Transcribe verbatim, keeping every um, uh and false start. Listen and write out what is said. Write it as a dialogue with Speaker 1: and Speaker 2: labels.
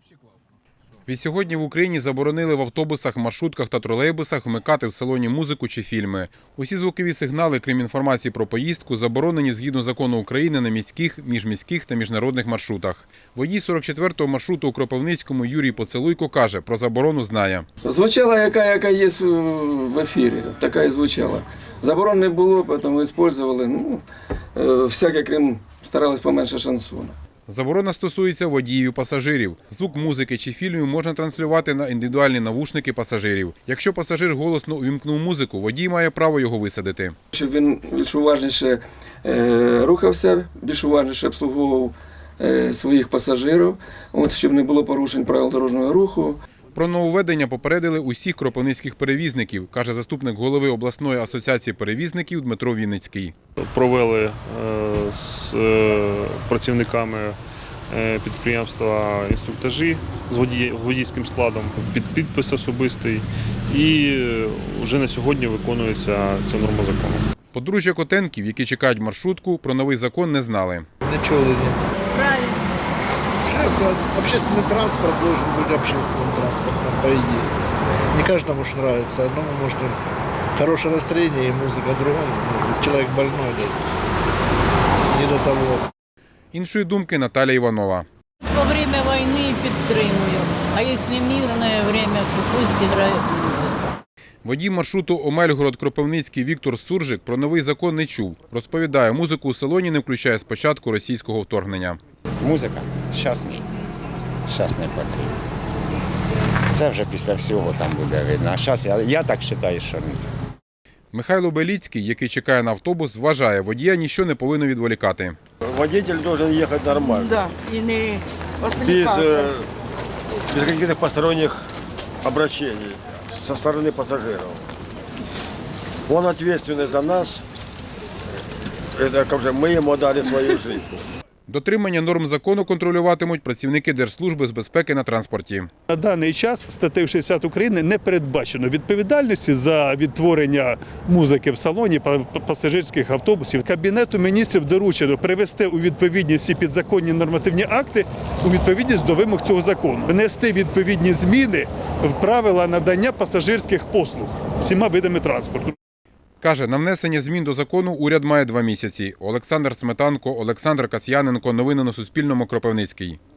Speaker 1: Відсьогодні в Україні заборонили в автобусах, маршрутках та тролейбусах вмикати в салоні музику чи фільми. Усі звукові сигнали, крім інформації про поїздку, заборонені згідно закону України на міських, міжміських та міжнародних маршрутах. Водій сорок четвертого маршруту у Кропивницькому Юрій Поцелуйко каже, про заборону знає.
Speaker 2: Звучала, яка, яка є в ефірі, така і звучала. Заборон не було, тому використовували, ну, всяке, крім, старались поменше шансона.
Speaker 1: Заборона стосується водіїв і пасажирів. Звук музики чи фільмів можна транслювати на індивідуальні навушники пасажирів. Якщо пасажир голосно увімкнув музику, водій має право його висадити.
Speaker 2: Щоб він більш уважніше е, рухався, більш уважніше обслуговував е, своїх пасажирів, от, щоб не було порушень правил дорожнього руху.
Speaker 1: Про нововведення попередили усіх кропивницьких перевізників, каже заступник голови обласної асоціації перевізників Дмитро Вінницький.
Speaker 3: Провели е, з е, працівниками е, підприємства інструктажі з водій, водійським складом, під підпис особистий, і вже на сьогодні виконується ця норма закону.
Speaker 1: Подружжя Котенків, які чекають маршрутку, про новий закон не знали.
Speaker 4: Не чули, ні. Правильно. Общественный транспорт должен быть общественным транспортом, по идее. Не каждому ж нравится. Одному может хорошее настроение и музыка, другому человек больной, не до того.
Speaker 1: Іншої думки Наталя Іванова.
Speaker 5: Во время войны підтримую, а якщо мирне время, то пусть грає музика.
Speaker 1: Водій маршруту Омельгород-Кропивницький Віктор Суржик про новий закон не чув. Розповідає, музику у салоні не включає з початку російського вторгнення.
Speaker 6: Музика? Щас ні. Щас не потрібно. Це вже після всього там буде видно. А зараз я, я так вважаю, що ні.
Speaker 1: Михайло Беліцький, який чекає на автобус, вважає, водія нічого не повинно відволікати.
Speaker 7: Водитель должен ехать нормально.
Speaker 8: Да, и не
Speaker 7: Без,
Speaker 8: отвлекаться.
Speaker 7: э, без каких-то посторонних обращений со стороны пассажиров. Он ответственный за нас. Это как же мы ему дали свою жизнь.
Speaker 1: Дотримання норм закону контролюватимуть працівники Держслужби з безпеки на транспорті.
Speaker 9: На даний час статтею шістдесят України не передбачено відповідальності за відтворення музики в салоні пасажирських автобусів. Кабінету міністрів доручено привести у відповідність всі підзаконні нормативні акти у відповідність до вимог цього закону. Внести відповідні зміни в правила надання пасажирських послуг всіма видами транспорту.
Speaker 1: Каже, на внесення змін до закону уряд має два місяці. Олександр Сметанко, Олександр Касьяненко. Новини на Суспільному. Кропивницький.